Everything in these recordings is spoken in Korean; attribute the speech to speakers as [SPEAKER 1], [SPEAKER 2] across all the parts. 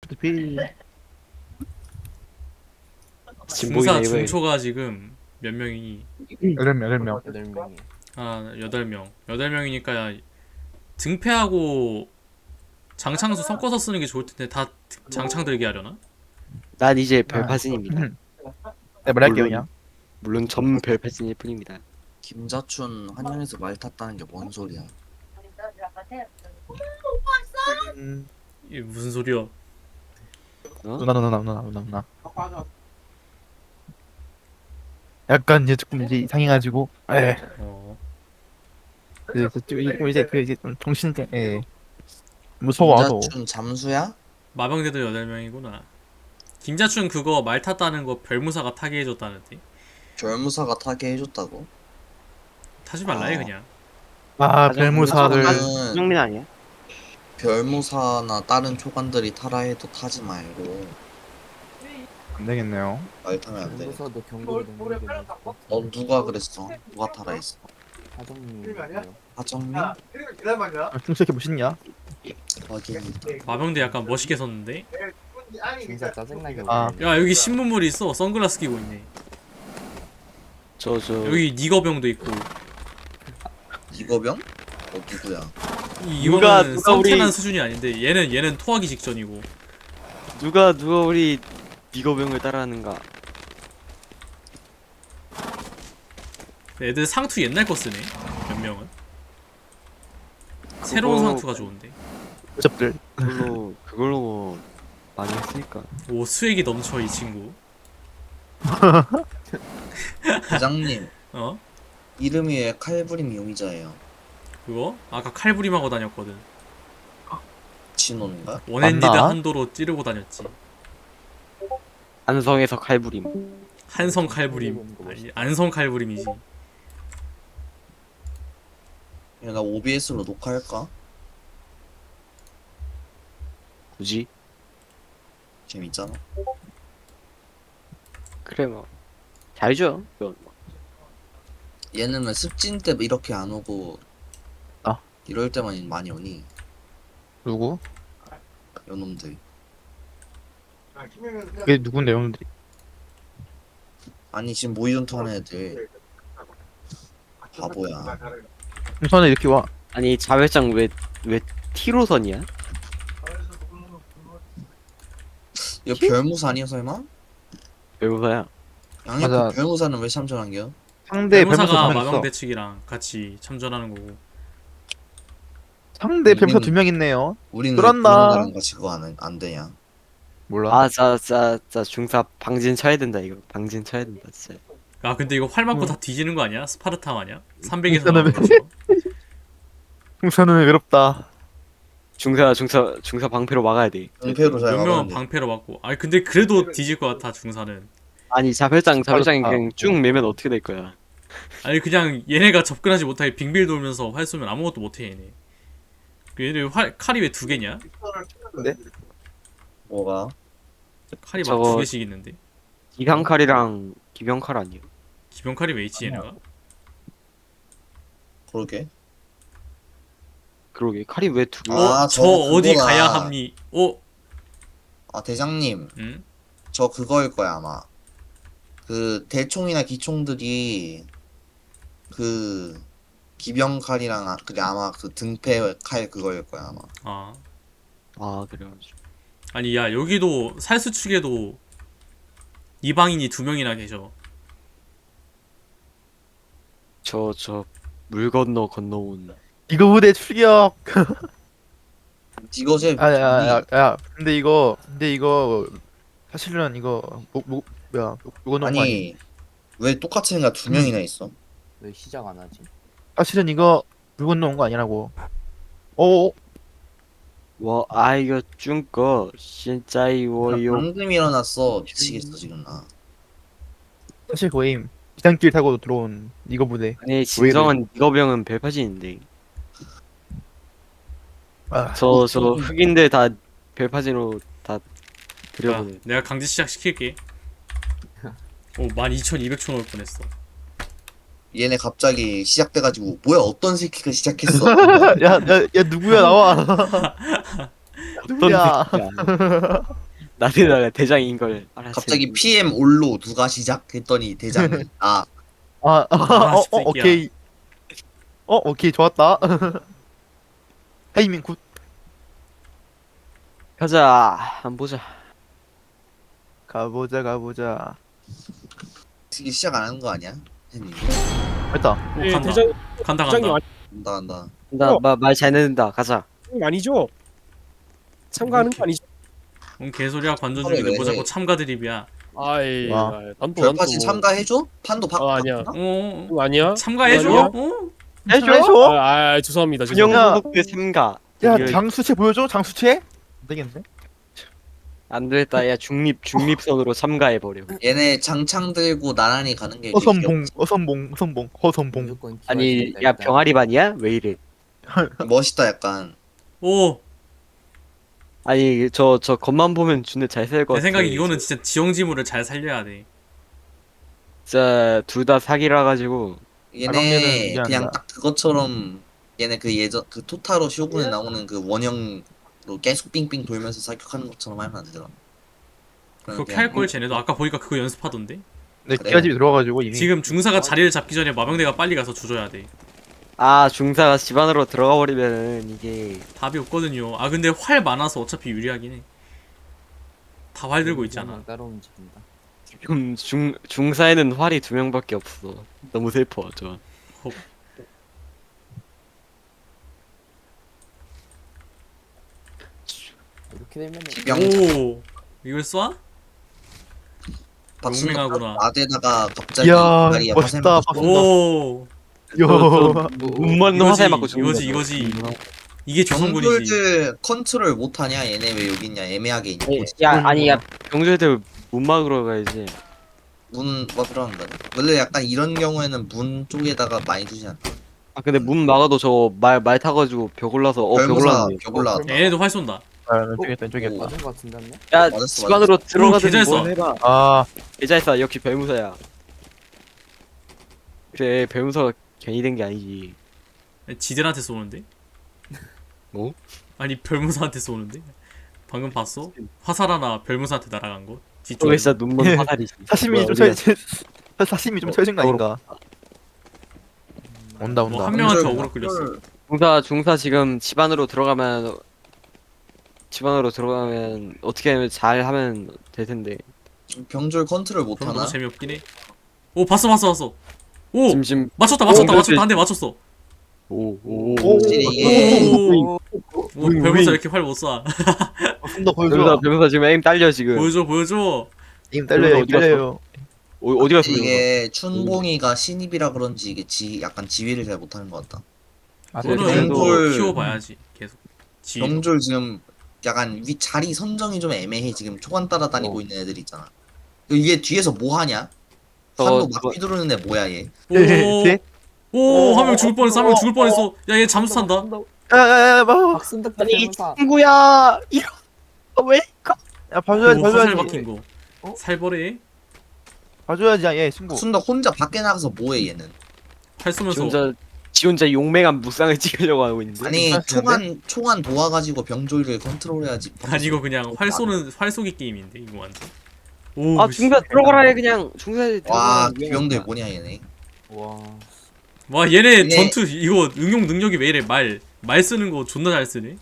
[SPEAKER 1] 어차피
[SPEAKER 2] 중사
[SPEAKER 3] 진복이네 이거.
[SPEAKER 2] 중초가 지금 몇 명이니?
[SPEAKER 1] 8명.
[SPEAKER 4] 8명이.
[SPEAKER 2] 아 8명 8명이니까 등패하고 장창수 섞어서 쓰는 게 좋을 텐데 다 장창 들게 하려나?
[SPEAKER 3] 난 이제 별파진입니다.
[SPEAKER 1] 네, 말할게요
[SPEAKER 3] 물론-
[SPEAKER 1] 그냥.
[SPEAKER 3] 물론 전 별파진일 뿐입니다.
[SPEAKER 5] 김자춘 한양에서 말 탔다는 게 뭔 소리야?
[SPEAKER 2] 이게 무슨 소리야?
[SPEAKER 3] 어?
[SPEAKER 1] 누나. 약간 이제 조금 이제 이상해가지고,
[SPEAKER 2] 어
[SPEAKER 1] 그래서 좀 이제 그 이제 좀 정신 무서워도.
[SPEAKER 5] 김자춘 잠수야?
[SPEAKER 2] 마병대도 8명이구나. 김자춘 그거 말 탔다는 거 별무사가 타게 해줬다는데
[SPEAKER 5] 별무사가 타게 해줬다고?
[SPEAKER 2] 타지 말라 해
[SPEAKER 5] 아.
[SPEAKER 2] 그냥.
[SPEAKER 1] 아 별무사들.
[SPEAKER 5] 저는
[SPEAKER 3] 성민 아니야?
[SPEAKER 5] 별무사나 다른 초관들이 타라 해도 타지 말고
[SPEAKER 1] 안 되겠네요.
[SPEAKER 5] 말 타면 안 돼.
[SPEAKER 4] 경부서도 경고를 내는 게 맞을 것 같아.
[SPEAKER 5] 넌 누가 그랬어? 누가 타라 했어?
[SPEAKER 4] 하정님이요.
[SPEAKER 5] 하정민?
[SPEAKER 1] 충실히 멋있냐?
[SPEAKER 5] 확인이다.
[SPEAKER 2] 마병대 약간 멋있게 섰는데.
[SPEAKER 4] 진짜 짜증나게
[SPEAKER 1] 아.
[SPEAKER 4] 오네.
[SPEAKER 2] 야 여기 신문물이 있어. 선글라스 끼고 있네.
[SPEAKER 3] 저
[SPEAKER 2] 여기 니거병도 있고.
[SPEAKER 5] 이거병? 누구야?
[SPEAKER 3] 누가
[SPEAKER 2] 이거는
[SPEAKER 3] 우리-
[SPEAKER 2] 썸태난 수준이 아닌데 얘는 토하기 직전이고.
[SPEAKER 3] 누가 우리 니거병을 따라하는가?
[SPEAKER 2] 애들 상투 옛날 거 쓰네. 몇 명은. 새로운
[SPEAKER 3] 그거-
[SPEAKER 2] 상투가 좋은데.
[SPEAKER 1] 어접들.
[SPEAKER 3] 그걸로 뭐 많이 했으니까.
[SPEAKER 2] 오 수액이 넘쳐 이 친구.
[SPEAKER 5] 부장님
[SPEAKER 2] 어?
[SPEAKER 5] 이름이 왜 칼부림 용의자예요?
[SPEAKER 2] 그거? 아까 칼부림하고 다녔거든.
[SPEAKER 5] 진호인가?
[SPEAKER 2] 원핸디드
[SPEAKER 1] 맞나?
[SPEAKER 2] 한도로 찌르고 다녔지.
[SPEAKER 3] 안성에서 칼부림.
[SPEAKER 2] 한성 칼부림. 아니 안성 칼부림이지.
[SPEAKER 5] 야, 나 OBS로 녹화할까?
[SPEAKER 3] 굳이?
[SPEAKER 5] 재밌잖아.
[SPEAKER 3] 그래 뭐. 잘죠.
[SPEAKER 5] 얘는 왜 습진 때 이렇게 안 오고
[SPEAKER 1] 아.
[SPEAKER 5] 이럴 때만 많이 오니?
[SPEAKER 1] 누구?
[SPEAKER 5] 요놈들.
[SPEAKER 1] 그게 누군데 형들이?
[SPEAKER 5] 아니 지금 모의전투 하는 애들 바보야.
[SPEAKER 1] 우선은 이렇게 와.
[SPEAKER 3] 아니 자회장 왜 T로선이야?
[SPEAKER 5] 이거 별무사 아니야 설마?
[SPEAKER 3] 외국어야.
[SPEAKER 5] 양옆
[SPEAKER 1] 맞아.
[SPEAKER 5] 별무사는 왜 참전한겨?
[SPEAKER 1] 상대 별무사
[SPEAKER 2] 변호사가
[SPEAKER 1] 2명 있어.
[SPEAKER 2] 마병대 측이랑 같이 참전하는 거고.
[SPEAKER 1] 상대 별무사
[SPEAKER 5] 우리는-
[SPEAKER 1] 2명 있네요.
[SPEAKER 5] 우리는
[SPEAKER 1] 그렇나?
[SPEAKER 5] 별무사랑 같이 그거 안 되냐?
[SPEAKER 1] 몰라.
[SPEAKER 3] 아자자 중사 방진 쳐야 된다 이거. 방진 쳐야 된다 진짜.
[SPEAKER 2] 아 근데 이거 활 맞고 다 뒤지는 거 아니야? 스파르타 마냥? 300에서
[SPEAKER 1] 일단은
[SPEAKER 2] 나오는 거.
[SPEAKER 1] 풍사는 외롭다.
[SPEAKER 3] 중사 방패로 막아야 돼.
[SPEAKER 5] 은폐로 잘
[SPEAKER 2] 몇 명은
[SPEAKER 5] 막았는데.
[SPEAKER 2] 방패로 맞고. 아니 근데 그래도 뒤질 것 같아 중사는.
[SPEAKER 3] 아니 자회장이
[SPEAKER 1] 아,
[SPEAKER 3] 그냥 쭉 매면 어떻게 될 거야?
[SPEAKER 2] 아니 그냥 얘네가 접근하지 못하게 빙빌 돌면서 활 쏘면 아무것도 못해 얘네. 얘네 칼이 왜 2개냐?
[SPEAKER 5] 뭐가?
[SPEAKER 2] 칼이 막
[SPEAKER 3] 저거-
[SPEAKER 2] 2개씩 있는데.
[SPEAKER 3] 기강칼이랑 기병칼 아니에요?
[SPEAKER 2] 기병 칼이 왜 있지 얘네가?
[SPEAKER 5] 그러게.
[SPEAKER 3] 그러게 칼이 왜 두 개?
[SPEAKER 5] 아,
[SPEAKER 2] 저
[SPEAKER 5] 저거
[SPEAKER 2] 어디
[SPEAKER 5] 그거다.
[SPEAKER 2] 가야 합니?
[SPEAKER 5] 아 대장님
[SPEAKER 2] 응?
[SPEAKER 5] 저 그거일 거야 아마. 그 대총이나 기총들이 그 기병칼이랑 그게 아마 그 등패 칼 그거일 거야 아마.
[SPEAKER 2] 아
[SPEAKER 3] 아 그래가지고
[SPEAKER 2] 아니 야 여기도 살수 측에도 이방인이 2명이나 계셔.
[SPEAKER 3] 저 물 건너온
[SPEAKER 1] 이거 부대 출격.
[SPEAKER 5] 이거제
[SPEAKER 1] 야. 근데 이거 사실은 이거 뭐야 이거 너무 아니.
[SPEAKER 5] 아니 왜 똑같은 애가 2명이나 있어?
[SPEAKER 4] 왜 시작 안 하지?
[SPEAKER 1] 사실은 이거 물건 넣은 거 아니라고. 어.
[SPEAKER 3] 와 아이고 중거 진짜 이워요.
[SPEAKER 5] 방금 일어났어. 미치겠어 지금 나.
[SPEAKER 1] 사실 거임. 비상길 타고 들어온 이거 부대.
[SPEAKER 3] 아니 진정한 니거병은 별파진인데
[SPEAKER 1] 아,
[SPEAKER 3] 저 흑인들 다 별파진으로 다
[SPEAKER 2] 야,
[SPEAKER 3] 들여보내.
[SPEAKER 2] 내가 강제 시작 시킬게. 오 12,200초 넣을 뻔했어.
[SPEAKER 5] 얘네 갑자기 시작돼가지고 뭐야 어떤 새끼가 시작했어?
[SPEAKER 1] 야 누구야 나와.
[SPEAKER 3] 어떤
[SPEAKER 1] 야.
[SPEAKER 3] 새끼야. 나대다가 대장인 걸 알았지.
[SPEAKER 5] 갑자기 PM 올로 누가 시작했더니 대장이 아
[SPEAKER 2] 새끼야.
[SPEAKER 1] 오케이. 오케이 좋았다. 타이밍 굿.
[SPEAKER 3] 가자. 한 보자.
[SPEAKER 1] 가보자.
[SPEAKER 5] 이게 시작 안 하는 거 아니야? 혜님
[SPEAKER 1] 됐다.
[SPEAKER 2] 오,
[SPEAKER 6] 예,
[SPEAKER 2] 간다.
[SPEAKER 6] 대장
[SPEAKER 2] 간다.
[SPEAKER 6] 대장님
[SPEAKER 5] 간다.
[SPEAKER 3] 나말 잘 내는다. 가자.
[SPEAKER 6] 아니죠? 참가하는 거 아니죠?
[SPEAKER 2] 개소리야 관전
[SPEAKER 5] 그래,
[SPEAKER 2] 중인데
[SPEAKER 5] 왜
[SPEAKER 2] 뭐
[SPEAKER 5] 해?
[SPEAKER 2] 자꾸 참가 드립이야.
[SPEAKER 6] 아이,
[SPEAKER 1] 와.
[SPEAKER 6] 난또
[SPEAKER 5] 별파시 참가해줘? 판도
[SPEAKER 6] 아니야.
[SPEAKER 2] 어
[SPEAKER 6] 아니야?
[SPEAKER 2] 참가해줘.
[SPEAKER 6] 아니야?
[SPEAKER 2] 어?
[SPEAKER 1] 해줘.
[SPEAKER 6] 죄송합니다.
[SPEAKER 3] 군용
[SPEAKER 6] 죄송합니다.
[SPEAKER 3] 소속대 참가.
[SPEAKER 1] 야
[SPEAKER 3] 이거
[SPEAKER 1] 장수채 보여줘. 장수채. 안 되겠네.
[SPEAKER 3] 안 되겠다. 야 중립선으로 참가해 버려.
[SPEAKER 5] 얘네 장창 들고 나란히 가는 게
[SPEAKER 1] 어선봉.
[SPEAKER 4] 무조건
[SPEAKER 3] 아니
[SPEAKER 4] 기와집이다,
[SPEAKER 3] 야
[SPEAKER 4] 일단.
[SPEAKER 3] 병아리 반이야? 왜 이래?
[SPEAKER 5] 멋있다 약간.
[SPEAKER 2] 오.
[SPEAKER 3] 아니 저 겉만 보면 준대 잘 살 것
[SPEAKER 2] 내
[SPEAKER 3] 같아.
[SPEAKER 2] 생각에 이거는 진짜 지형지물을 잘 살려야 돼.
[SPEAKER 3] 진짜 둘 다 사기라 가지고
[SPEAKER 1] 그러면은
[SPEAKER 5] 얘네
[SPEAKER 1] 미안하다.
[SPEAKER 5] 그냥 딱 그것처럼 얘네 그 예전 그 토타로 쇼군에 나오는 그 원형으로 계속 빙빙 돌면서 사격하는 것처럼 하면 안 되나?
[SPEAKER 2] 그렇게 할 걸 쟤네도 아까 보니까 그거 연습하던데.
[SPEAKER 1] 내
[SPEAKER 5] 그래.
[SPEAKER 1] 기아집이 들어와가지고 이미.
[SPEAKER 2] 지금 중사가 자리를 잡기 전에 마병대가 빨리 가서 조져야 돼.
[SPEAKER 3] 아 중사가 집 안으로 들어가 버리면은 이게
[SPEAKER 2] 답이 없거든요. 아 근데 활 많아서 어차피 유리하긴 해. 다 활 들고 있잖아.
[SPEAKER 4] 따로 움직인다.
[SPEAKER 3] 지금 중사에는 활이 2명밖에 없어. 너무 슬퍼 저.
[SPEAKER 4] 이렇게 되면은
[SPEAKER 5] 기병
[SPEAKER 2] 오. 이걸 쏴?
[SPEAKER 5] 박수는
[SPEAKER 2] 용맹하구나.
[SPEAKER 5] 나대다가 갑자기
[SPEAKER 1] 이야,
[SPEAKER 5] 다리에
[SPEAKER 1] 멋있다,
[SPEAKER 5] 화살 맞고
[SPEAKER 2] 오.
[SPEAKER 1] 요.
[SPEAKER 3] 눈먼 화살 맞고 죽는
[SPEAKER 2] 이거지
[SPEAKER 3] 거죠.
[SPEAKER 2] 이거지. 이게 조선군이지.
[SPEAKER 5] 병들들 컨트롤 못하냐? 얘네 왜 여기 있냐? 애매하게 있냐?
[SPEAKER 3] 야 아니 야 병조애들 문 막으러 가야지.
[SPEAKER 5] 문 막으러 한다. 원래 약간 이런 경우에는 문 쪽에다가 많이 두지 않나?
[SPEAKER 3] 아 근데 문 막아도 저 말 타가지고 벽 올라서 벽
[SPEAKER 5] 별무사
[SPEAKER 3] 올랐네.
[SPEAKER 5] 벽 올라왔다.
[SPEAKER 2] 얘네도 활 쏜다.
[SPEAKER 1] 왼쪽이었다.
[SPEAKER 4] 맞은 거 같은데 않냐?
[SPEAKER 3] 야
[SPEAKER 5] 맞았어,
[SPEAKER 3] 집 안으로 들어가서
[SPEAKER 2] 개잘
[SPEAKER 3] 뭘
[SPEAKER 2] 써.
[SPEAKER 3] 해봐.
[SPEAKER 1] 아,
[SPEAKER 3] 계좌에서 역시 별무사야. 그래 별무사가 괜히 된 게 아니지.
[SPEAKER 2] 지들한테 쏘는데?
[SPEAKER 3] 뭐?
[SPEAKER 2] 아니 별무사한테 쏘는데? 방금 봤어? 화살 하나 별무사한테 날아간 거?
[SPEAKER 3] 저게
[SPEAKER 2] 뒤쪽에.
[SPEAKER 3] 진짜 눈먼 화살이지.
[SPEAKER 1] 사시미 좀
[SPEAKER 3] 뭐야,
[SPEAKER 1] 쳐야 사시미 좀 쳐진 거 아닌가? 온다.
[SPEAKER 2] 뭐 한 명한테
[SPEAKER 5] 병들
[SPEAKER 2] 어그로 끌렸어.
[SPEAKER 3] 중사 지금 집 안으로 들어가면 어떻게 하면 잘 하면 될 텐데.
[SPEAKER 5] 병졸 컨트롤
[SPEAKER 2] 그럼
[SPEAKER 5] 못하나?
[SPEAKER 2] 너무 재미없긴 해. 오 봤어. 오
[SPEAKER 3] 지금
[SPEAKER 2] 맞췄다. 한 대 맞췄어.
[SPEAKER 3] 오오
[SPEAKER 5] 확실히 이게
[SPEAKER 2] 오. 뭐 별무사 이렇게 활 못 쏴.
[SPEAKER 1] 좀더 보여줘.
[SPEAKER 3] 별무사 지금 에임 딸려 지금.
[SPEAKER 2] 보여줘.
[SPEAKER 1] 님 딸려요.
[SPEAKER 3] 어디 갔어?
[SPEAKER 1] 딸려요.
[SPEAKER 3] 어디 가서
[SPEAKER 5] 이게 춘봉이가 신입이라 그런지 이게 약간 지휘를 잘 못하는 것 같다.
[SPEAKER 1] 아,
[SPEAKER 2] 그거는
[SPEAKER 5] 그래도-
[SPEAKER 2] 뭐 키워봐야지 계속. 지.
[SPEAKER 5] 병졸 지금 약간 자리 선정이 좀 애매해. 지금 초반 따라다니고 있는 애들 있잖아. 이게 뒤에서 뭐 하냐? 산도 막 휘두르는 애 뭐야 얘?
[SPEAKER 1] 네?
[SPEAKER 2] 오한 명 죽을 뻔했어. 한 명 죽을 뻔했어. 야 얘 잠수 탄다.
[SPEAKER 1] 야야야,
[SPEAKER 4] 박순덕
[SPEAKER 3] 아니
[SPEAKER 4] 대명사.
[SPEAKER 3] 친구야 이런 왜?
[SPEAKER 1] 야 봐줘야지,
[SPEAKER 2] 오, 화살
[SPEAKER 1] 봐줘야지.
[SPEAKER 2] 박힌 거. 살벌해.
[SPEAKER 1] 봐줘야지, 얘 친구.
[SPEAKER 5] 순덕 혼자 밖에 나가서 뭐해 얘는?
[SPEAKER 2] 활 쏘면서.
[SPEAKER 3] 지 혼자 용맹한 무쌍을 찍으려고 하고 있는데.
[SPEAKER 5] 아니
[SPEAKER 1] 괜찮은데?
[SPEAKER 5] 총안 도와가지고 병졸을 컨트롤해야지.
[SPEAKER 2] 아니 이거 그냥 활 쏘는 활 쏘기 게임인데 이거 완전. 오.
[SPEAKER 3] 아 중사 들어가라 해 그냥 중사
[SPEAKER 5] 와
[SPEAKER 3] 들어가라.
[SPEAKER 5] 기병들 뭐냐 얘네.
[SPEAKER 4] 와.
[SPEAKER 2] 와 얘네
[SPEAKER 5] 얘네-
[SPEAKER 2] 전투 이거 응용 능력이 왜 이래 말 쓰는 거 존나 잘 쓰네.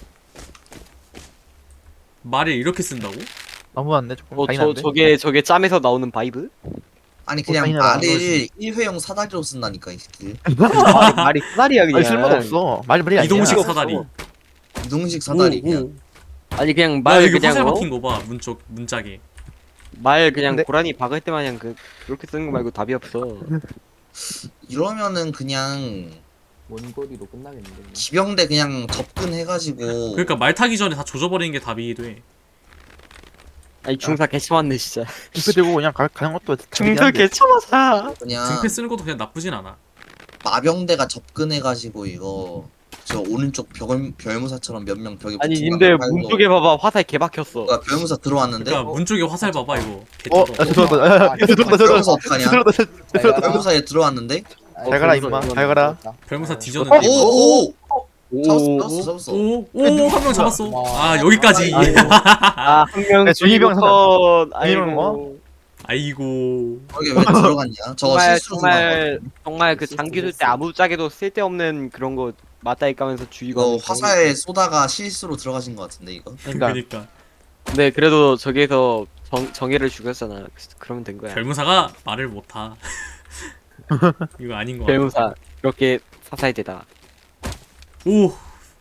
[SPEAKER 2] 말을 이렇게 쓴다고?
[SPEAKER 1] 너무한데 조금 잔인한데.
[SPEAKER 3] 저게 짬에서 나오는 바이브?
[SPEAKER 5] 아니 그냥
[SPEAKER 1] 잔인하다.
[SPEAKER 5] 말을 1회용 사다리로 쓴다니까 이 새끼.
[SPEAKER 3] 말이 사다리야 그냥.
[SPEAKER 1] 아니 쓸모도 없어. 말이 아니야.
[SPEAKER 2] 이동식 사다리.
[SPEAKER 5] 이동식 사다리 그냥.
[SPEAKER 3] 아니 그냥
[SPEAKER 2] 야
[SPEAKER 3] 말
[SPEAKER 2] 여기
[SPEAKER 3] 그냥
[SPEAKER 2] 화살
[SPEAKER 3] 어?
[SPEAKER 2] 박힌 거 봐. 문짝에.
[SPEAKER 3] 말 그냥
[SPEAKER 1] 근데-
[SPEAKER 3] 고라니 박을 때 마냥 그렇게 쓰는 거 말고 답이 없어.
[SPEAKER 5] 이러면은 그냥
[SPEAKER 4] 원거리로 끝나겠는데. 그냥.
[SPEAKER 5] 기병대 그냥 접근해가지고.
[SPEAKER 2] 그러니까 말 타기 전에 다 조져버리는 게 답이기도 해.
[SPEAKER 3] 아니 중사 개참았네 진짜.
[SPEAKER 1] 이거 들고 그냥 가는 것도
[SPEAKER 3] 중사 개참하다.
[SPEAKER 5] 그냥
[SPEAKER 2] 등패 쓰는 것도 그냥 나쁘진 않아.
[SPEAKER 5] 마병대가 접근해가지고 이거 저 오른쪽 별무사처럼 몇 명 벽에
[SPEAKER 3] 아니
[SPEAKER 5] 붙인
[SPEAKER 3] 님들
[SPEAKER 5] 방금
[SPEAKER 3] 문
[SPEAKER 5] 팔고.
[SPEAKER 3] 쪽에 봐봐 화살 개 박혔어.
[SPEAKER 5] 뭐야, 별무사 들어왔는데
[SPEAKER 2] 그러니까 문 쪽에 화살 봐봐 이거.
[SPEAKER 1] 어,
[SPEAKER 2] 개쩌다.
[SPEAKER 1] 야 죄송하다. 야, 죄송하다.
[SPEAKER 5] 별무사 어떡하냐?
[SPEAKER 1] 죄송하다.
[SPEAKER 5] 별무사에 들어왔는데
[SPEAKER 1] 잘 가라 임마. 잘 가라.
[SPEAKER 2] 별무사
[SPEAKER 5] 어,
[SPEAKER 2] 뒤졌는데. 이거.
[SPEAKER 5] 오오 잡았어.
[SPEAKER 2] 오한 명 잡았어.
[SPEAKER 4] 와.
[SPEAKER 2] 아 여기까지.
[SPEAKER 3] 아한명
[SPEAKER 1] 야, 중이병
[SPEAKER 3] 컷.
[SPEAKER 1] 중이병
[SPEAKER 3] 아이고.
[SPEAKER 2] 아이고.
[SPEAKER 5] 거기 왜 들어갔냐? 저거
[SPEAKER 3] 정말
[SPEAKER 5] 실수로 들어간 거야.
[SPEAKER 3] 정말 그 장기 쓸 때 아무짝에도 쓸데없는 그런 거 맞다이 까면서 주의가.
[SPEAKER 5] 이거 화살 쏘다가 실수로 들어가신 것 같은데 이거.
[SPEAKER 1] 그러니까
[SPEAKER 2] 그러니까
[SPEAKER 3] 근데 그래도 저기에서 정예를 죽였잖아. 그러면 된 거야.
[SPEAKER 2] 별무사가 말을 못하. 이거 아닌 거 같아.
[SPEAKER 3] 별무사 이렇게 사살되다.
[SPEAKER 2] 오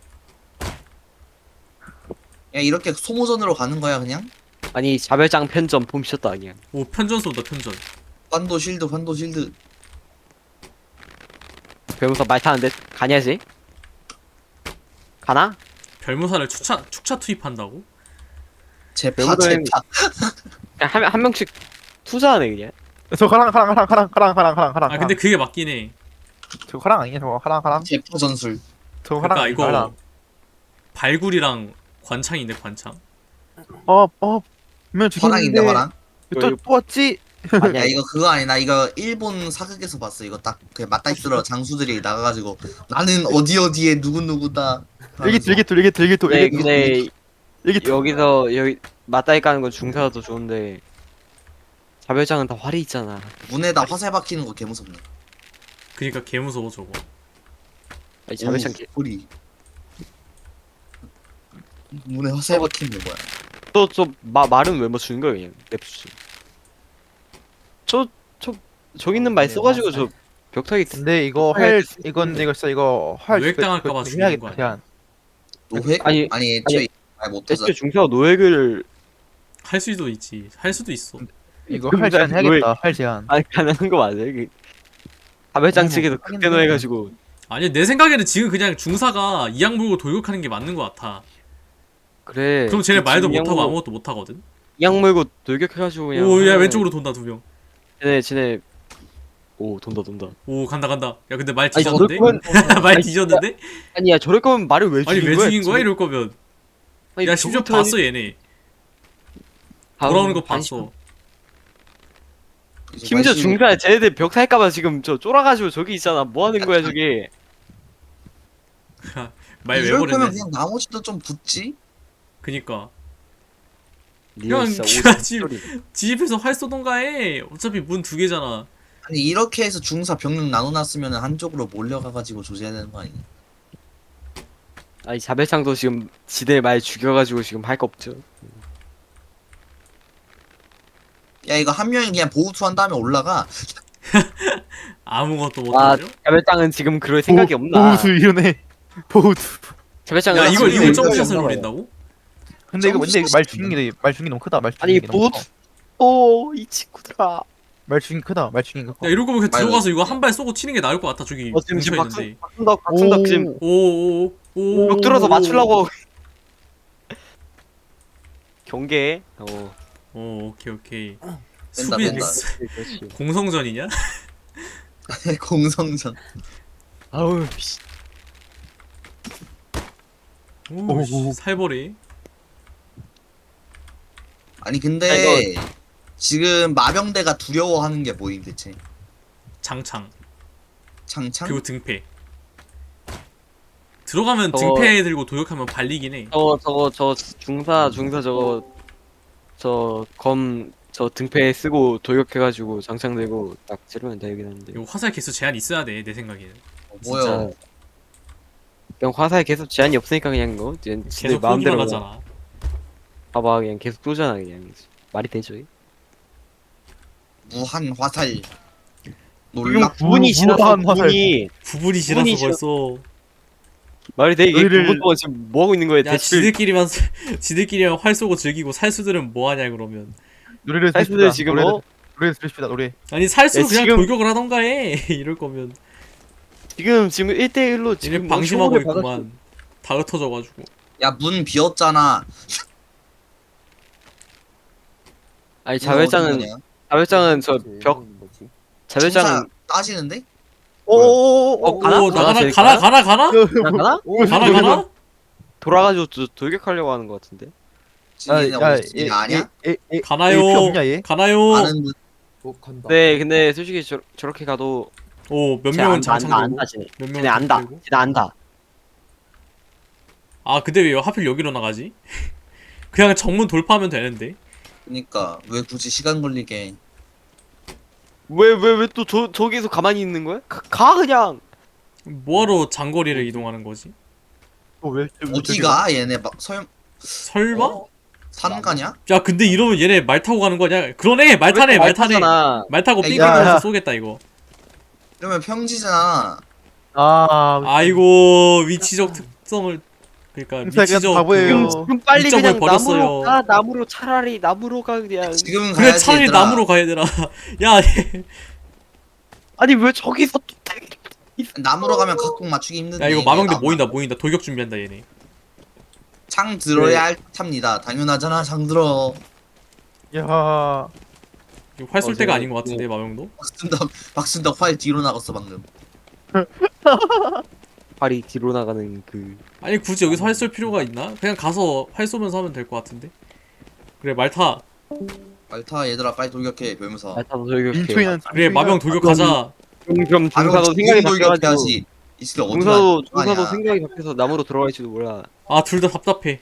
[SPEAKER 5] 야 이렇게 소모전으로 가는 거야 그냥?
[SPEAKER 3] 아니 자별장 편전 봄 미쳤다 그냥.
[SPEAKER 2] 오 편전 쏜다 편전.
[SPEAKER 5] 환도 실드.
[SPEAKER 3] 별무사 말 타는데 가냐지? 가나?
[SPEAKER 2] 별무사를 축차 투입한다고?
[SPEAKER 5] 제파.
[SPEAKER 3] 그냥 한 명씩 투자하네 그냥.
[SPEAKER 1] 저 가랑.
[SPEAKER 2] 아 근데 그게 맞긴 해.
[SPEAKER 1] 저거 가랑 아니냐 저거 가랑.
[SPEAKER 5] 제파 전술.
[SPEAKER 1] 저거 가랑.
[SPEAKER 2] 그러니까 이거 발굴이랑 관창인데 관창.
[SPEAKER 1] 분명
[SPEAKER 5] 화랑인데
[SPEAKER 1] 죽였는데
[SPEAKER 5] 화랑.
[SPEAKER 1] 또 뽑았지.
[SPEAKER 3] 아니야
[SPEAKER 5] 야 이거 그거 아니 나 이거 일본 사극에서 봤어. 이거 딱 그냥 맞다 있더라. 장수들이 나가가지고 나는 어디에 누구다.
[SPEAKER 1] 일기토.
[SPEAKER 3] 네, 근데
[SPEAKER 1] 일기토.
[SPEAKER 3] 여기 맞다이 까는 건 중사가 더 좋은데 자별장은 다 활이 있잖아.
[SPEAKER 5] 문에다 화살 박히는 거 개무섭네.
[SPEAKER 2] 그니까 개 무서워 저거.
[SPEAKER 3] 아니 자별장
[SPEAKER 5] 소리. 문에 화살 박히는 게 뭐야?
[SPEAKER 3] 또저 말은 왜 맞추는 거야 그냥 냅두지. 저기 있는 말 써가지고 저 벽타기
[SPEAKER 1] 근데 이거 이거 진짜 이거 활
[SPEAKER 2] 노획당할까봐 죽이는 거 아니야?
[SPEAKER 1] 대한.
[SPEAKER 5] 노획?
[SPEAKER 3] 아니,
[SPEAKER 5] 애초에 말 못하자.
[SPEAKER 3] 애초에 중사가 노획을
[SPEAKER 2] 할 수도 있지. 할 수도 있어.
[SPEAKER 1] 이거 활 제한 해야겠다. 활 제한.
[SPEAKER 3] 아니 가능한 거 맞아 이게. 자별장 측에서
[SPEAKER 1] 하긴
[SPEAKER 3] 극대노
[SPEAKER 1] 해.
[SPEAKER 3] 해가지고.
[SPEAKER 2] 아니 내 생각에는 지금 그냥 중사가 이악 물고 돌격하는 게 맞는 거 같아.
[SPEAKER 3] 그래.
[SPEAKER 2] 그럼 쟤네 말도 못하고
[SPEAKER 3] 이악
[SPEAKER 2] 아무것도 못하거든.
[SPEAKER 3] 이악 물고 돌격해가지고 그냥.
[SPEAKER 2] 오야 왼쪽으로 돈다 2명.
[SPEAKER 3] 쟤네. 오 돈다.
[SPEAKER 2] 오 간다. 야 근데 말
[SPEAKER 3] 아니 저럴
[SPEAKER 2] 뒤졌는데?
[SPEAKER 3] 거면
[SPEAKER 2] 말 뒤졌는데?
[SPEAKER 3] 아니야 저럴 거면 말을 왜
[SPEAKER 2] 아니
[SPEAKER 3] 죽인
[SPEAKER 2] 왜
[SPEAKER 3] 거야?
[SPEAKER 2] 죽인 거야 이럴 거면.
[SPEAKER 3] 아니,
[SPEAKER 2] 야 심지어
[SPEAKER 3] 저부터
[SPEAKER 2] 봤어 얘네. 돌아오는 거 봤어.
[SPEAKER 3] 심지어 중사 쟤네들 벽 살까봐 지금 저 쫄아가지고 저기 있잖아. 뭐 하는 거야 저기?
[SPEAKER 2] 말 왜
[SPEAKER 5] 이럴 거면
[SPEAKER 2] 버렸냐?
[SPEAKER 5] 그냥 나머지도 좀 붙지?
[SPEAKER 2] 그니까
[SPEAKER 3] 니가
[SPEAKER 2] 그냥
[SPEAKER 3] 진짜
[SPEAKER 2] 걔가 집에서 활 쏘던가 해. 어차피 문 2개잖아.
[SPEAKER 5] 아니 이렇게 해서 중사 병력 나눠놨으면 한쪽으로 몰려가가지고 조져야 되는 거 아니야?
[SPEAKER 3] 아니 자별창도 지금 지들 말 죽여가지고 지금 할 거 없죠.
[SPEAKER 5] 야 이거 한 명이 그냥 보우투 한 다음에 올라가.
[SPEAKER 2] 아무것도
[SPEAKER 3] 아
[SPEAKER 2] 못하죠?
[SPEAKER 3] 자별장은 지금 그럴 생각이 없나?
[SPEAKER 1] 보우두 이러네. 보우두.
[SPEAKER 3] 자별장은
[SPEAKER 2] 야 이걸
[SPEAKER 3] 지금
[SPEAKER 2] 점프샷을
[SPEAKER 4] 있나 봐요.
[SPEAKER 2] 노린다고?
[SPEAKER 1] 근데 이거
[SPEAKER 5] 점프
[SPEAKER 1] 말 죽인 게 너무 크다. 말
[SPEAKER 3] 아니
[SPEAKER 1] 죽인 게 너무
[SPEAKER 3] 보우투.
[SPEAKER 1] 커.
[SPEAKER 3] 오이 친구들아.
[SPEAKER 1] 말 죽인 크다. 말 죽인 거 커.
[SPEAKER 2] 야 이럴 거면 그냥
[SPEAKER 5] 말도-
[SPEAKER 2] 들어가서 이거 한 발 쏘고 치는 게 나을 것 같아. 저기
[SPEAKER 3] 지금
[SPEAKER 2] 뭉쳐있는데.
[SPEAKER 3] 박순덕 지금
[SPEAKER 2] 오오오.
[SPEAKER 3] 벽 들어서 맞추려고. 경계.
[SPEAKER 2] 오 오케이.
[SPEAKER 5] 뺀다,
[SPEAKER 2] 수비
[SPEAKER 5] 뺀다.
[SPEAKER 3] 그렇지.
[SPEAKER 2] 공성전이냐?
[SPEAKER 5] 공성전.
[SPEAKER 3] 아우 씨.
[SPEAKER 2] 오 씨, 살벌해.
[SPEAKER 5] 아니 근데 지금 마병대가 두려워하는 게 뭐임 대체?
[SPEAKER 2] 장창
[SPEAKER 5] 창창?
[SPEAKER 2] 그리고 등패. 들어가면
[SPEAKER 3] 저거-
[SPEAKER 2] 등패 들고 도역하면 발리긴 해.
[SPEAKER 3] 저 중사 저 등패 쓰고 돌격해가지고 장창 들고 딱 찌르면 되긴 한데.
[SPEAKER 2] 이거 화살 개수 제한 있어야 돼 내 생각에는.
[SPEAKER 5] 뭐야?
[SPEAKER 3] 그냥 화살 계속 제한이 없으니까 그냥 거 지들
[SPEAKER 2] 계속 쏘기만
[SPEAKER 3] 마음대로
[SPEAKER 2] 하잖아.
[SPEAKER 3] 봐봐 그냥 계속 쏘잖아 그냥. 말이 되죠?
[SPEAKER 5] 무한 화살.
[SPEAKER 3] 지금
[SPEAKER 5] 놀랍.
[SPEAKER 3] 9분이 지났어.
[SPEAKER 1] 무한 화살.
[SPEAKER 3] 9분이
[SPEAKER 2] 부분이 지나서
[SPEAKER 3] 부분이
[SPEAKER 2] 벌써.
[SPEAKER 3] 말이 돼 이게
[SPEAKER 1] 너희를-
[SPEAKER 3] 9분 동안 지금 뭐 하고 있는 거야?
[SPEAKER 2] 야
[SPEAKER 3] 대출
[SPEAKER 2] 지들끼리만 활 쏘고 즐기고 살수들은 뭐 하냐 그러면.
[SPEAKER 1] 노래를
[SPEAKER 3] 사이스들 지금
[SPEAKER 1] 노래를 들읍시다. 노래.
[SPEAKER 2] 아니 살수
[SPEAKER 3] 야,
[SPEAKER 2] 그냥
[SPEAKER 3] 지금-
[SPEAKER 2] 돌격을 하던가 해. 이럴 거면.
[SPEAKER 3] 지금 1대1로
[SPEAKER 2] 얘네
[SPEAKER 3] 지금
[SPEAKER 2] 방심하고
[SPEAKER 3] 뭐 초반에
[SPEAKER 2] 있구만. 다 흩어져가지고.
[SPEAKER 5] 야 문 비었잖아.
[SPEAKER 3] 아니
[SPEAKER 5] 이거 어디
[SPEAKER 3] 자별장은
[SPEAKER 5] 거냐?
[SPEAKER 3] 저 벽
[SPEAKER 4] 뭐지?
[SPEAKER 3] 자별장은
[SPEAKER 5] 중사 따지는데?
[SPEAKER 3] 오오오 가나?
[SPEAKER 2] 오
[SPEAKER 3] 가나?
[SPEAKER 2] 가나?
[SPEAKER 3] 가나?
[SPEAKER 2] 가나?
[SPEAKER 3] 돌아가지고 돌격하려고 하는 것 같은데.
[SPEAKER 5] 지금 어디 아냐?
[SPEAKER 2] 가나요?
[SPEAKER 1] 없냐 얘?
[SPEAKER 2] 가나요?
[SPEAKER 5] 아는 분.
[SPEAKER 4] 간다.
[SPEAKER 3] 네 근데 솔직히 저렇게 가도
[SPEAKER 2] 오 몇
[SPEAKER 3] 쟤
[SPEAKER 2] 명은
[SPEAKER 3] 안다
[SPEAKER 2] 장창되고
[SPEAKER 3] 안다 쟤네.
[SPEAKER 2] 몇
[SPEAKER 3] 쟤네
[SPEAKER 2] 명은
[SPEAKER 3] 안다.
[SPEAKER 2] 장창되고.
[SPEAKER 3] 쟤네 안다.
[SPEAKER 2] 아 근데 왜 하필 여기로 나가지? 그냥 정문 돌파하면 되는데.
[SPEAKER 5] 그니까 왜 굳이 시간 걸리게.
[SPEAKER 3] 왜 또 저기서 가만히 있는 거야? 가 그냥.
[SPEAKER 2] 뭐하러 장거리를 이동하는 거지?
[SPEAKER 1] 왜
[SPEAKER 5] 어디가 얘네 막
[SPEAKER 2] 설마?
[SPEAKER 5] 산 가냐?
[SPEAKER 2] 야 근데 이러면 얘네 말 타고 가는 거 아니야? 그러네 말 타네 말 타네.
[SPEAKER 3] 잖아.
[SPEAKER 2] 말 타고
[SPEAKER 5] 야,
[SPEAKER 2] 삥삥하면서
[SPEAKER 1] 야.
[SPEAKER 2] 쏘겠다 이거.
[SPEAKER 5] 이러면 평지잖아.
[SPEAKER 2] 아이고 위치적 특성을 그러니까
[SPEAKER 1] 진짜
[SPEAKER 2] 위치적
[SPEAKER 1] 바보예요.
[SPEAKER 3] 지금 빨리
[SPEAKER 2] 이점을
[SPEAKER 3] 그냥
[SPEAKER 2] 버렸어요.
[SPEAKER 3] 나무로 가. 나무로 차라리 나무로 가 그냥.
[SPEAKER 5] 지금은
[SPEAKER 2] 그래
[SPEAKER 5] 가야지
[SPEAKER 2] 차라리
[SPEAKER 5] 얘들아.
[SPEAKER 2] 나무로 가야 되나? 야
[SPEAKER 3] 아니 왜 저기서 또
[SPEAKER 5] 나무로 가면 각국 맞추기 힘든데.
[SPEAKER 2] 야 이거 마병대
[SPEAKER 5] 나무-
[SPEAKER 2] 모인다 돌격 준비한다 얘네.
[SPEAKER 5] 창 들어야
[SPEAKER 3] 네.
[SPEAKER 5] 할 탑니다. 당연하잖아 창 들어.
[SPEAKER 1] 야
[SPEAKER 2] 이거 활 쏠 때가
[SPEAKER 3] 제가-
[SPEAKER 2] 아닌 것 같은데 마병도?
[SPEAKER 5] 박순덕 활 뒤로 나갔어 방금.
[SPEAKER 3] 발이 뒤로 나가는 그.
[SPEAKER 2] 아니 굳이 여기서 활 쏠 필요가 있나? 그냥 가서 활 쏘면서 하면 될 것 같은데. 그래 말타.
[SPEAKER 5] 말타 얘들아 빨리 돌격해 묘면서.
[SPEAKER 3] 알타도 저기.
[SPEAKER 1] 민초이는
[SPEAKER 2] 그래 마병 돌격하자.
[SPEAKER 3] 그럼 중사도 생각이 바뀌어가지고.
[SPEAKER 5] 돌격해야지. 이 새끼 어디가
[SPEAKER 3] 중사도 생각이 바뀌어서 나무로 들어갈지도 몰라.
[SPEAKER 2] 아 둘 다 답답해.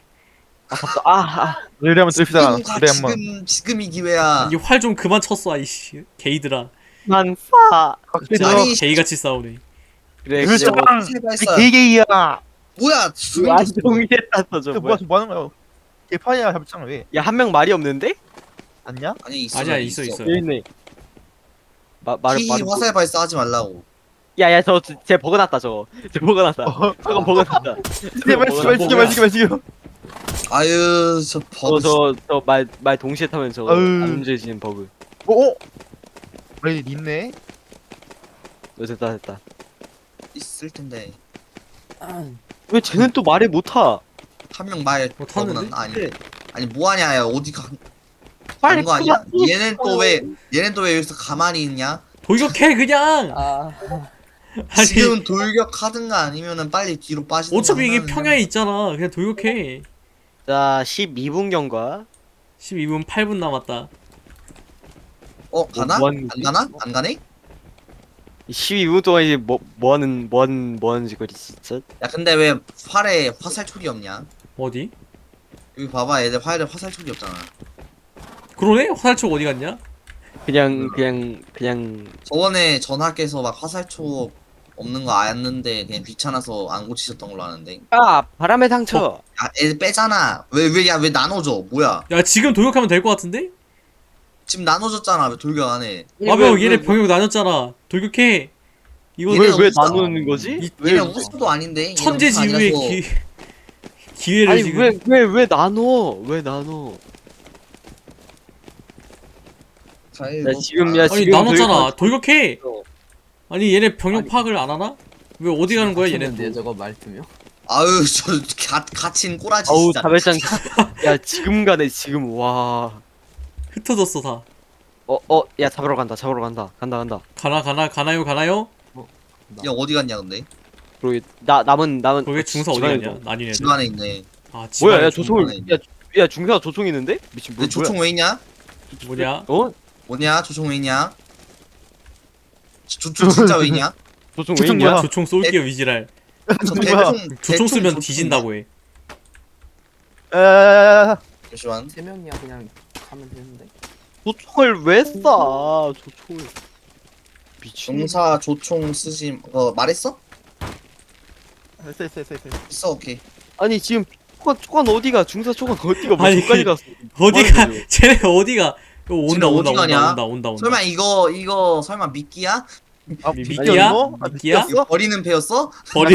[SPEAKER 1] 노래 한번 들읍시다. 노래 한번.
[SPEAKER 5] 지금이 기회야.
[SPEAKER 2] 이 활 좀 그만 쳤어 아이씨 게이들아.
[SPEAKER 3] 만사.
[SPEAKER 5] 아니
[SPEAKER 2] 게이같이 싸우네.
[SPEAKER 3] 그래
[SPEAKER 1] 그렇죠.
[SPEAKER 3] 그래.
[SPEAKER 5] 세발사.
[SPEAKER 1] 개개이야.
[SPEAKER 5] 뭐야 수명
[SPEAKER 3] 완종이 됐다 저
[SPEAKER 1] 뭐야
[SPEAKER 3] 뭐야.
[SPEAKER 1] 뭐 하는 거야? 개판이야 잡창 왜?
[SPEAKER 3] 야한 명 말이 없는데?
[SPEAKER 1] 안냐?
[SPEAKER 5] 아니 있어.
[SPEAKER 2] 아니야 있어.
[SPEAKER 3] 여기 있네. 말을
[SPEAKER 5] 키
[SPEAKER 3] 말을.
[SPEAKER 5] 화살 발사 하지 말라고.
[SPEAKER 3] 야야 저쟤 버그났다 저거. 쟤 버그났다. 저거 버그났다.
[SPEAKER 1] 제발 지금.
[SPEAKER 5] 아유 저 버그.
[SPEAKER 3] 저말 동시에 타면 저거
[SPEAKER 1] 아유.
[SPEAKER 3] 안 움직여지는 버그.
[SPEAKER 1] 왜 있네?
[SPEAKER 3] 됐다.
[SPEAKER 5] 있을 텐데.
[SPEAKER 3] 왜 쟤는 또 말을 못 타?
[SPEAKER 5] 한 명 말
[SPEAKER 2] 뭐 타는데?
[SPEAKER 5] 버그는 아니 뭐하냐 야 어디
[SPEAKER 3] 빨리
[SPEAKER 5] 가는 거 아니야?
[SPEAKER 3] 그만
[SPEAKER 5] 얘는 또 왜 여기서 가만히 있냐?
[SPEAKER 2] 돌격해 그냥.
[SPEAKER 4] 아
[SPEAKER 2] 아니
[SPEAKER 5] 지금 돌격하든가 아니면은 빨리 뒤로 빠지든가.
[SPEAKER 2] 어차피 이게
[SPEAKER 5] 하면은-
[SPEAKER 2] 평야에 있잖아. 그냥 돌격해.
[SPEAKER 3] 자 12분 경과.
[SPEAKER 2] 12분 8분 남았다.
[SPEAKER 5] 가나?
[SPEAKER 3] 뭐 하는
[SPEAKER 5] 안
[SPEAKER 3] 거지?
[SPEAKER 5] 가나? 안 가네?
[SPEAKER 3] 12분 동안 이제 뭐 하는 짓거리 진짜.
[SPEAKER 5] 야 근데 왜 활에 화살촉이 없냐?
[SPEAKER 2] 어디?
[SPEAKER 5] 여기 봐봐 얘들 활에 화살촉이 없잖아.
[SPEAKER 2] 그러네? 화살촉 어디 갔냐?
[SPEAKER 3] 그냥
[SPEAKER 5] 저번에 전학에서 막 화살촉 없는 거 알았는데 그냥 귀찮아서 안 고치셨던 걸로 아는데.
[SPEAKER 3] 바람의 상처.
[SPEAKER 5] 야 애들 빼잖아. 왜 나눠줘? 뭐야?
[SPEAKER 2] 야 지금 돌격하면 될 것 같은데?
[SPEAKER 5] 지금 나눠줬잖아. 왜 돌격 안 해?
[SPEAKER 2] 마병 얘네 병력 나눴잖아. 돌격해. 이거
[SPEAKER 5] 얘네
[SPEAKER 3] 왜
[SPEAKER 5] 없어.
[SPEAKER 3] 나누는 거지?
[SPEAKER 5] 얘네 우수도 아닌데. 얘네
[SPEAKER 2] 천재지휘의
[SPEAKER 5] 우수 아니라서.
[SPEAKER 2] 기회를
[SPEAKER 3] 아니
[SPEAKER 2] 지금.
[SPEAKER 3] 왜 나눠? 왜 나눠?
[SPEAKER 5] 잘
[SPEAKER 3] 야 지금
[SPEAKER 5] 먹자.
[SPEAKER 3] 야
[SPEAKER 2] 아니
[SPEAKER 3] 지금
[SPEAKER 2] 나눴잖아. 돌격해.
[SPEAKER 3] 어.
[SPEAKER 2] 아니 얘네 병력 파악을 안 하나? 왜 어디 가는 거야 얘네?
[SPEAKER 4] 데 저거 말투며.
[SPEAKER 5] 아유 저 갇힌 꼬라지
[SPEAKER 3] 어우
[SPEAKER 5] 진짜.
[SPEAKER 3] 자별장. 야 지금 가네 지금 와.
[SPEAKER 2] 흩어졌어 다.
[SPEAKER 3] 야 잡으러 간다 간다.
[SPEAKER 2] 가나요?
[SPEAKER 5] 야 어디 갔냐 근데?
[SPEAKER 3] 그리고 남은
[SPEAKER 2] 거기 중사 어디
[SPEAKER 3] 집안에
[SPEAKER 2] 갔냐?
[SPEAKER 3] 있어.
[SPEAKER 2] 난이네.
[SPEAKER 5] 집 안에 있네.
[SPEAKER 2] 아
[SPEAKER 3] 뭐야
[SPEAKER 2] 집안에
[SPEAKER 3] 야
[SPEAKER 2] 중-
[SPEAKER 3] 조총을 야 중사 조총 있는데? 미친
[SPEAKER 5] 근데
[SPEAKER 3] 뭐야?
[SPEAKER 5] 조총 왜 있냐?
[SPEAKER 2] 뭐냐?
[SPEAKER 5] 뭐냐? 조총 왜 있냐? 조총 진짜 왜 있냐?
[SPEAKER 3] 조총 왜
[SPEAKER 1] 조총
[SPEAKER 3] 있냐?
[SPEAKER 1] 뭐야?
[SPEAKER 2] 조총 쏠게요 위지랄.
[SPEAKER 5] 저
[SPEAKER 1] 뭐야?
[SPEAKER 2] 조총 쓰면
[SPEAKER 5] 조총
[SPEAKER 2] 뒤진다고 해.
[SPEAKER 1] 에
[SPEAKER 5] 잠시만.
[SPEAKER 4] 세 명이야 그냥 하면 되는데.
[SPEAKER 3] 조총을 왜 쏴? 조총을 미친.
[SPEAKER 5] 중사 조총 쓰지 말했어?
[SPEAKER 1] 됐어.
[SPEAKER 5] 있어 오케이.
[SPEAKER 3] 아니 지금 초관 어디가? 중사 초관 어디가? 뭐
[SPEAKER 2] 아니,
[SPEAKER 3] 저까지 갔어.
[SPEAKER 2] 어디가?
[SPEAKER 3] 뭐
[SPEAKER 2] 쟤네 어디가? 이거
[SPEAKER 5] 쟤네 어디 가냐?
[SPEAKER 2] 온다.
[SPEAKER 5] 설마 이거 설마 미끼야?
[SPEAKER 2] 미끼야? 미끼야?
[SPEAKER 5] 이거 버리는 패였어?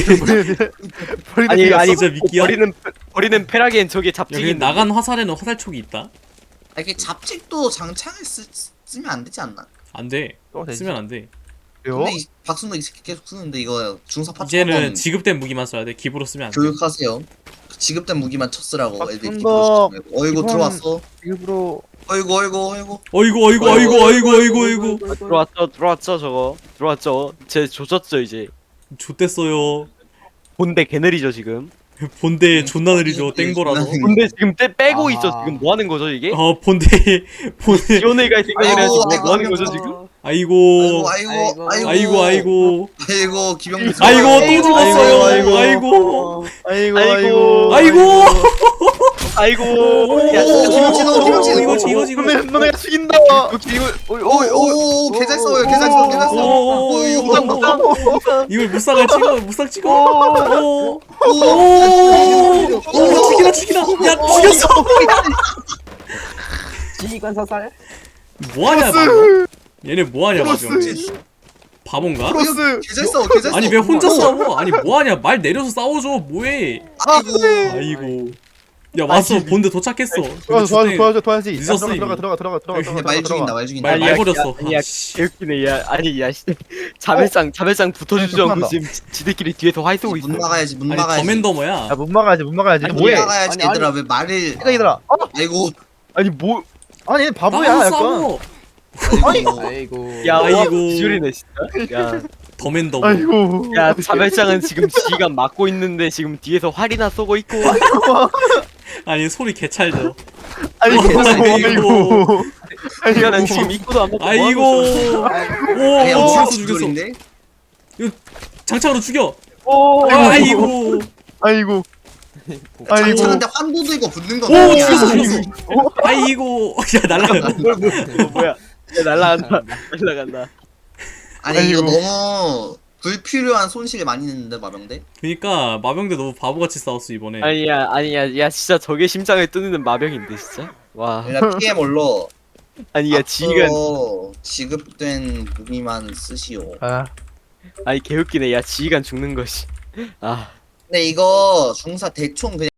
[SPEAKER 3] 아니
[SPEAKER 2] 진짜 미끼야?
[SPEAKER 3] 버리는 페라기엔 저게
[SPEAKER 2] 여기
[SPEAKER 3] 잡지기
[SPEAKER 2] 나간 화살에는 화살촉이 있다?
[SPEAKER 5] 이게 잡직도 장창을 쓰면 안 되지 않나?
[SPEAKER 2] 안 돼. 쓰면 안 돼.
[SPEAKER 5] 근데 박순도 이 새끼 계속 쓰는데 이거 중사 파츠
[SPEAKER 2] 이제는 지급된 무기만 써야 돼. 기부로 쓰면 안 돼.
[SPEAKER 5] 교육하세요. 지급된 무기만 쳤으라고 애들
[SPEAKER 1] 박순도
[SPEAKER 5] 기부로 쓰지 말고. 어이구
[SPEAKER 1] 기본-
[SPEAKER 5] 들어왔어.
[SPEAKER 1] 일부러
[SPEAKER 5] 어이구.
[SPEAKER 2] 어이구.
[SPEAKER 3] 들어왔죠 저거 들어왔죠. 쟤 조졌죠 이제.
[SPEAKER 2] 좆됐어요.
[SPEAKER 3] 본대 개느리죠 지금.
[SPEAKER 2] 본대 존나 느리죠. 땡보라서.
[SPEAKER 5] 존나
[SPEAKER 3] 본대 지금 빼고
[SPEAKER 4] 아.
[SPEAKER 3] 있어 지금 뭐 하는 거죠 이게?
[SPEAKER 2] 본대.
[SPEAKER 3] 지원회가 생각을 해야지
[SPEAKER 5] 아이고,
[SPEAKER 3] 뭐 하는 거죠
[SPEAKER 5] 아이고.
[SPEAKER 3] 지금?
[SPEAKER 2] 아이고
[SPEAKER 5] 아이고 기병
[SPEAKER 2] 아이고 또 죽었어요.
[SPEAKER 1] 아이고,
[SPEAKER 2] 아이고
[SPEAKER 1] 아이고
[SPEAKER 3] 아이고.
[SPEAKER 2] 아이고
[SPEAKER 3] 아이고.
[SPEAKER 5] 야,
[SPEAKER 2] 이거지.
[SPEAKER 1] 너네가 죽인다.
[SPEAKER 5] 오오오 개잘 써요 개잘 써 개잘 써.
[SPEAKER 2] 오,
[SPEAKER 5] 이거
[SPEAKER 2] 이걸 무쌍을 찍어 무쌍 찍어. 오 죽이다. 야 죽였어.
[SPEAKER 4] 지휘관 사살?
[SPEAKER 2] 뭐하냐 방금? 얘네 뭐하냐 방금?
[SPEAKER 1] 크로스.
[SPEAKER 2] 바본가?
[SPEAKER 1] 크로스.
[SPEAKER 5] 개잘 써 개잘 써.
[SPEAKER 2] 아니 왜 혼자 싸워? 아니 뭐하냐? 말 내려서 싸워줘. 뭐해?
[SPEAKER 5] 아이고
[SPEAKER 2] 아이고. 야 왔어. 본드 도착했어.
[SPEAKER 1] 도와야지.
[SPEAKER 2] 늦었어, 이미.
[SPEAKER 1] 들어가.
[SPEAKER 5] 말 죽인다 말 죽인다.
[SPEAKER 2] 말 버렸어.
[SPEAKER 3] 야,
[SPEAKER 2] 아, 씨.
[SPEAKER 3] 개웃기네. 야, 아니, 야, 씨. 자별상 붙어주지 않고
[SPEAKER 1] 끝난다.
[SPEAKER 3] 지금 지들끼리 뒤에서 화이 쏘고
[SPEAKER 5] 문
[SPEAKER 3] 있어.
[SPEAKER 5] 막아야지 문
[SPEAKER 2] 아니
[SPEAKER 5] 막아야지.
[SPEAKER 2] 더맨더머야.
[SPEAKER 1] 야, 못 막아야지.
[SPEAKER 5] 문
[SPEAKER 1] 뭐해?
[SPEAKER 5] 막아야지
[SPEAKER 4] 아니,
[SPEAKER 5] 얘들아 왜 말을.
[SPEAKER 1] 얘들아.
[SPEAKER 5] 아이고
[SPEAKER 1] 아니 뭐? 아니 얘 바보야.
[SPEAKER 2] 나가서
[SPEAKER 1] 약간.
[SPEAKER 2] 싸워.
[SPEAKER 4] 아이고.
[SPEAKER 3] 야,
[SPEAKER 2] 아이고.
[SPEAKER 3] 와, 비주리네 진짜. 야,
[SPEAKER 2] 더맨더머.
[SPEAKER 1] 아이고.
[SPEAKER 3] 야, 자별장은 지금 지휘관 막고 있는데 지금 뒤에서 활이나 쏘고 있고.
[SPEAKER 2] 아니 소리 개찰져.
[SPEAKER 1] 아니
[SPEAKER 2] 아이고.
[SPEAKER 3] 야, 난 지금 입고도 안 먹고.
[SPEAKER 2] 아이고.
[SPEAKER 5] 그냥
[SPEAKER 2] 오
[SPEAKER 5] 무슨
[SPEAKER 2] 죽였어.
[SPEAKER 5] 소리인데?
[SPEAKER 2] 장창으로 죽여.
[SPEAKER 3] 오,
[SPEAKER 2] 아이고.
[SPEAKER 1] 아이고.
[SPEAKER 5] 장차는데 환도도 이거 붙는 거
[SPEAKER 2] 오
[SPEAKER 5] 아니야?
[SPEAKER 2] 죽였어. 아이고. 야 날라가.
[SPEAKER 3] 뭐야? 야, 날라간다. 날라간다.
[SPEAKER 5] 아니 이거
[SPEAKER 1] 아이고.
[SPEAKER 5] 너무 불필요한 손실 많이 냈는데 마병대?
[SPEAKER 2] 그러니까 마병대 너무 바보같이 싸웠어 이번에.
[SPEAKER 3] 아니야, 야, 진짜 저게 심장을 뚫는 마병인데 진짜. 와,
[SPEAKER 5] 일단 PM 올로
[SPEAKER 3] 아니, 야, 지휘관,
[SPEAKER 5] 지급된 무기만 쓰시오.
[SPEAKER 1] 아.
[SPEAKER 3] 아니 개웃기네. 야, 지휘관 죽는 것이. 아.
[SPEAKER 5] 근데 이거 중사 대총 그냥